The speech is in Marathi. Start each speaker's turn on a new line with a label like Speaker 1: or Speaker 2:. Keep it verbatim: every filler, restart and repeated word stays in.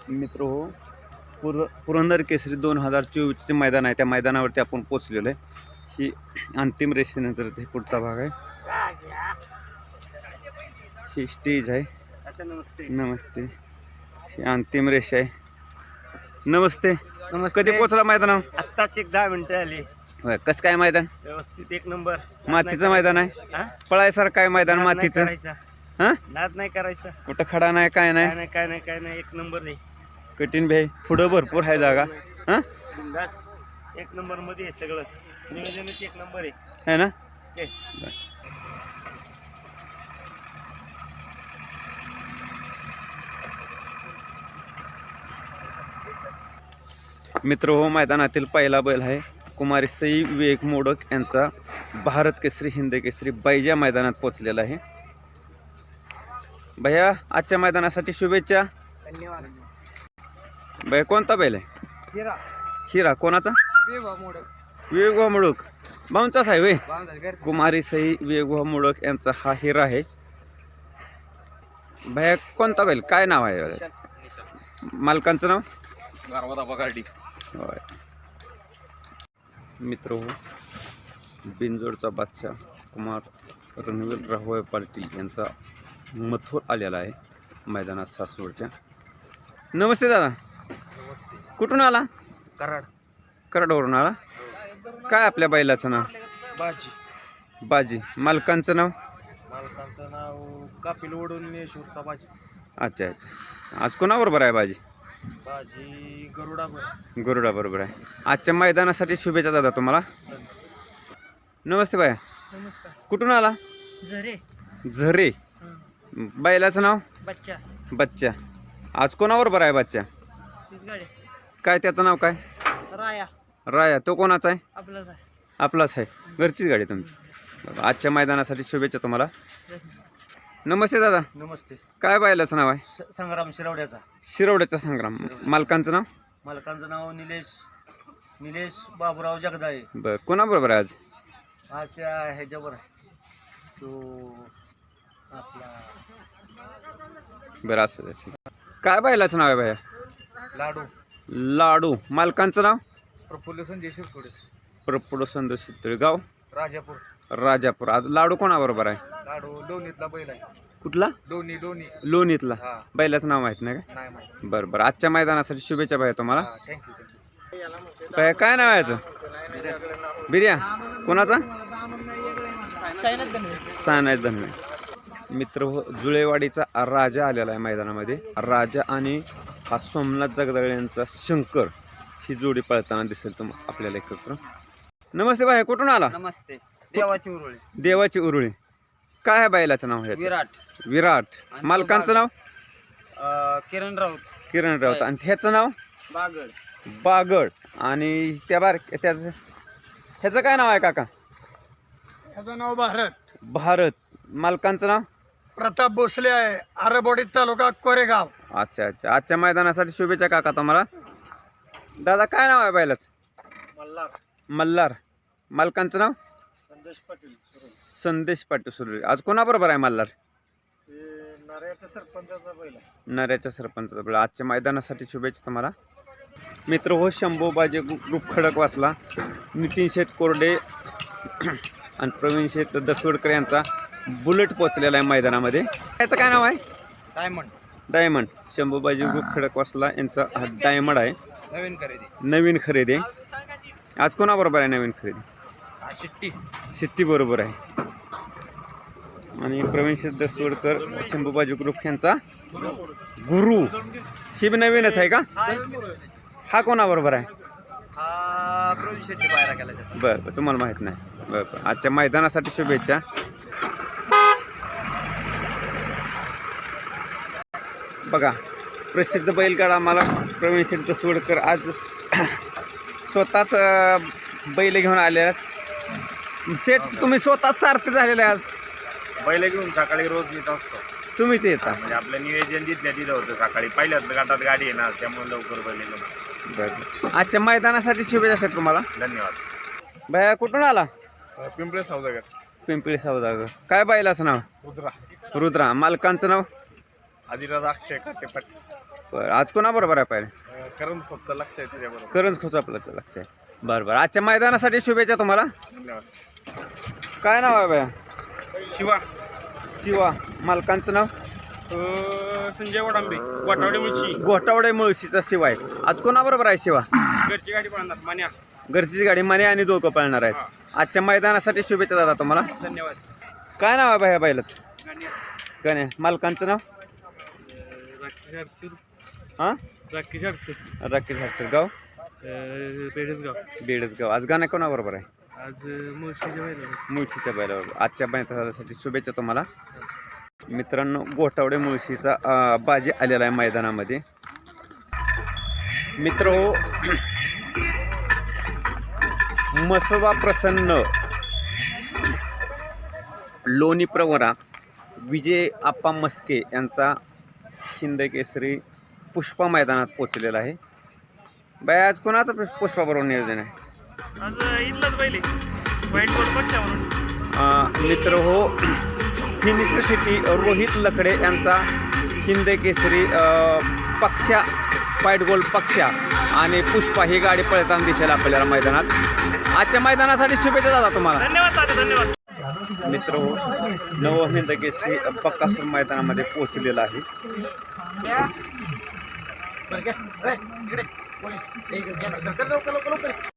Speaker 1: मित्र हो, पुर पुरंदर केसरी दोन हजार चोवीसचे मैदान आहे. त्या मैदानावरती आपण पोचलेलो आहे. ही अंतिम रेषेनंतर ते पुढचा भाग आहे. ही स्टेज आहे.
Speaker 2: नमस्ते
Speaker 1: नमस्ते. ही अंतिम रेषा आहे. नमस्ते.
Speaker 2: नमस्ते.
Speaker 1: कधी पोचला मैदानावर?
Speaker 2: आत्ताच एक दहा मिनिटं आली.
Speaker 1: होय, कसं काय मैदान?
Speaker 2: व्यवस्थित एक नंबर.
Speaker 1: मातीचं मैदान आहे. पळायसारखं काय मैदान मातीचं? हा,
Speaker 2: नाद नाही करायचा.
Speaker 1: कुठं खडा नाही, काय
Speaker 2: काय
Speaker 1: नाही,
Speaker 2: नाही काय नाही काय नाही एक नंबर नाही.
Speaker 1: कठीण भाई. पुढं भरपूर आहे जागा. हा,
Speaker 2: बिनधास्त एक नंबर मध्ये आहे सगळं. नियोजनच एक नंबर आहे.
Speaker 1: है ना?
Speaker 2: हे.
Speaker 1: मित्र हो, मैदानातील पहिला बैल आहे कुमारी सई विवेक मोडक यांचा भारत केसरी हिंद केसरी बैजा मैदानात पोचलेला आहे. भैया, आजच्या मैदानासाठी शुभेच्छा.
Speaker 2: धन्यवाद.
Speaker 1: भैया, कोणता बैल आहे?
Speaker 2: हिरा
Speaker 1: हिरा कोणाचा?
Speaker 2: मोडक
Speaker 1: विवेक मोडक भाऊंचाच आहे वे. कुमारी सई विवेक मोडक यांचा हा हिरा आहे. भैया, कोणता बैल, काय नाव आहे मालकांचं नाव? होय. मित्र हो, बिनजोडचा बादशाह कुमार रणवीर राहुळे पाटील यांचा मथुर आलेला आहे मैदानात सासवडच्या. नमस्ते दादा. कुठून आला?
Speaker 2: कराड.
Speaker 1: कराडवरून आला. काय आपल्या बैलाचं नाव?
Speaker 2: बाजी.
Speaker 1: बाजी. मालकांचं नाव?
Speaker 2: मालकांचं नाव कापिल ओढून नेशूरचा बाजी.
Speaker 1: अच्छा अच्छा. आज कोणाबरोबर आहे बाजी?
Speaker 2: बाजी गरुडा बरोबर.
Speaker 1: गरुडा बरोबर आहे. आजच्या मैदानासाठी शुभेच्छा दादा तुम्हाला. नमस्ते बाया.
Speaker 2: नमस्कार.
Speaker 1: कुठून आला?
Speaker 2: झरे.
Speaker 1: झरे. बैलाचं नाव?
Speaker 2: बच्चा.
Speaker 1: बच्चा. आज कोणाबरोबर आहे बच्चा?
Speaker 2: गाडी.
Speaker 1: काय त्याचं नाव काय?
Speaker 2: राया.
Speaker 1: राया. तो कोणाचा आहे?
Speaker 2: आपलाच आहे.
Speaker 1: आपलाच आहे. घरचीच गाडी तुमची. आजच्या मैदानासाठी शुभेच्छा तुम्हाला. नमस्ते दादा.
Speaker 2: नमस्ते.
Speaker 1: काय बैलाचं नाव आहे?
Speaker 2: संग्राम शिरवड्याचा.
Speaker 1: शिरवड्याचा संग्राम. मालकांचं नाव?
Speaker 2: मालकांचं नाव निलेश निलेश बाबूराव जगदाळे.
Speaker 1: बरं. कोणाबरोबर आहे आज?
Speaker 2: आज त्या ह्याच्यावर आहे तो आपला
Speaker 1: बरं असं ठीक. काय बैलाचं नाव आहे भैया?
Speaker 2: लाडू.
Speaker 1: लाडू. मालकांचं नाव?
Speaker 2: प्रफुल्ल संजय शिरतोडे.
Speaker 1: प्रफुल्ल संतोष शितळे. गाव?
Speaker 2: राजापूर.
Speaker 1: राजापूर. आज लाडू कोणाबरोबर आहे?
Speaker 2: लाडू लोणीतला बैल आहे.
Speaker 1: कुठला?
Speaker 2: लोणी लोणी.
Speaker 1: लोणीतला.
Speaker 2: हा.
Speaker 1: बैलाचं नाव माहित नाही का?
Speaker 2: नाही माहिती.
Speaker 1: बरं बरं. आजच्या मैदानासाठी शुभेच्छा भैया तुम्हाला.
Speaker 2: Thank you thank you.
Speaker 1: भैया, काय नाव आहे याचं? बिर्या. कोणाचा? सायनाथ धनवे. मित्र हो, जुळेवाडीचा राजा आलेला आहे मैदानामध्ये. राजा आणि हा सोमनाथ जगदाळे यांचा शंकर ही जोडी पळताना दिसेल तुम आपल्याला एकत्र. नमस्ते भाई. कुठून आला?
Speaker 2: नमस्ते. देवाची उरुळी.
Speaker 1: देवाची उरुळी. काय आहे बैलाचं नाव? ह्याचं?
Speaker 2: विराट.
Speaker 1: विराट. मालकांचं नाव?
Speaker 2: किरण राऊत.
Speaker 1: किरण राऊत. आणि ह्याचं नाव?
Speaker 2: बागड.
Speaker 1: बागड. आणि त्या बार त्याचं ह्याचं काय नाव आहे काका?
Speaker 2: ह्याचं नाव भारत.
Speaker 1: भारत. मालकांचं नाव?
Speaker 2: प्रताप भोसले आहे. आरबोडी तालुका कोरेगाव.
Speaker 1: अच्छा अच्छा. आजच्या मैदानासाठी शुभेच्छा काका तुम्हाला. दादा, काय नाव आहे बैलाचं?
Speaker 2: मल्हार.
Speaker 1: मल्हार. मालकांचं नाव?
Speaker 2: संदेश पाटील.
Speaker 1: संदेश पाटील सुरू. आज कोणाबरोबर आहे मल्हार?
Speaker 2: नाऱ्याच्या सरपंचाचा बैल आहे.
Speaker 1: नऱ्याच्या सरपंचाचा बैल. आजच्या मैदानासाठी शुभेच्छा तुम्हाला. मित्र हो, शंभू बाजे ग्रुप खडक वाचला. नितीन शेठ कोरडे आणि प्रवीण शेठ दसवडकर यांचा बुलेट पोचलेला आहे मैदानामध्ये. याचं काय नाव आहे?
Speaker 2: डायमंड.
Speaker 1: डायमंड. शंभू बाजे ग्रुप खडक वाचला यांचा हा डायमंड आहे.
Speaker 2: नवीन खरेदी.
Speaker 1: नवीन खरेदी आहे. आज कोणाबरोबर आहे नवीन खरेदी?
Speaker 2: शिट्टी.
Speaker 1: शिट्टी बरोबर आहे. आणि प्रवीण शेठ दसवडकर शंभूबाजी ग्रुप यांचा गुरु. ही बी नवीनच आहे का? हा कोणाबरोबर आहे?
Speaker 2: हा प्रवीण शेट्टी पायरा केला त्याचा.
Speaker 1: बरं बरं. तुम्हाला माहीत नाही. बरं बरं. आजच्या मैदानासाठी शुभेच्छा. बघा, प्रसिद्ध बैलगाडा मला प्रवीण शेठ दसवडकर आज स्वतःच बैल घेऊन आले आहेत. सेठ, तुम्ही स्वतःच सारखे झालेले आज?
Speaker 2: बैल घेऊन सकाळी रोज येत असतो.
Speaker 1: तुम्हीच येता?
Speaker 2: म्हणजे आपलं नियोजन जिथल्या तिथं होतं. सकाळी पहिल्याच गटात गाडी आहे ना, त्यामुळे लवकर बैल घेऊन.
Speaker 1: बरं. आजच्या मैदानासाठी शुभेच्छा सर तुम्हाला.
Speaker 2: धन्यवाद.
Speaker 1: भैया, कुठून आला?
Speaker 2: पिंपळे सौदागर.
Speaker 1: पिंपळी सौदागर. काय बैलाचं नाव?
Speaker 2: रुद्रा.
Speaker 1: रुद्रा. मालकांचं नाव?
Speaker 2: आदिराज अक्षय काटेपट
Speaker 1: बरं आज कोणाबरोबर आहे पाहिजे
Speaker 2: करून फक्त लक्ष आहे त्याच्याबरोबर.
Speaker 1: करंज खोच आपलं तर लक्ष आहे. बरं बरं आजच्या मैदानासाठी शुभेच्छा तुम्हाला.
Speaker 2: धन्यवाद.
Speaker 1: काय नाव आहे बाया?
Speaker 2: शिवा
Speaker 1: शिवा. मालकांचं नाव?
Speaker 2: संजय वडांबे वाटावडे मुळशी.
Speaker 1: घोटावडे मुळशीचा शिवा आहे. आज कोणाबरोबर आहे शिवा?
Speaker 2: घरची गाडी पळणार मान्या.
Speaker 1: घरचीच गाडी मने आणि दोघं पळणार आहेत. आजच्या मैदानासाठी शुभेच्छा दादा तुम्हाला.
Speaker 2: धन्यवाद.
Speaker 1: काय नाव आहे बाया बैलाच? गण्या. मालकांचं नाव? हां
Speaker 2: राकेश हर्षद
Speaker 1: राकेश हर्षद. गाव?
Speaker 2: बेडसगाव.
Speaker 1: बेडसगाव. आज गाणं कोणाबरोबर आहे?
Speaker 2: आज मुळशीच्या बैला.
Speaker 1: मुळशीच्या बैलाबरोबर. आजच्या मैदानासाठी शुभेच्छा तुम्हाला. मित्रांनो घोटावडे मुळशीचा अं, बाजी आलेला आहे मैदानामध्ये. मित्र हो मसवा प्रसन्न लोणी प्रवरा विजय आप्पा मस्के यांचा हिंद केसरी पुष्पा मैदानात पोचलेला आहे. बाय आज कोणाचं पुष- पुष्पाबरोबर नियोजन आहे?
Speaker 2: आज इथलाच बैल वाईट बोर्ड पक्षा म्हणून.
Speaker 1: अं, मित्र हो फिनिश सिटी रोहित लखडे यांचा हिंद केसरी अं, पक्षा फाईट गोल पक्षा आणि पुष्पा ही गाडी पळताना दिसेल आपल्याला मैदानात. आजच्या मैदानासाठी शुभेच्छा दादा तुम्हाला.
Speaker 2: धन्यवाद दादा धन्यवाद.
Speaker 1: मित्र हो नव हिंद केसरी बक्कासूर मैदानामध्ये पोहोचलेला आहे.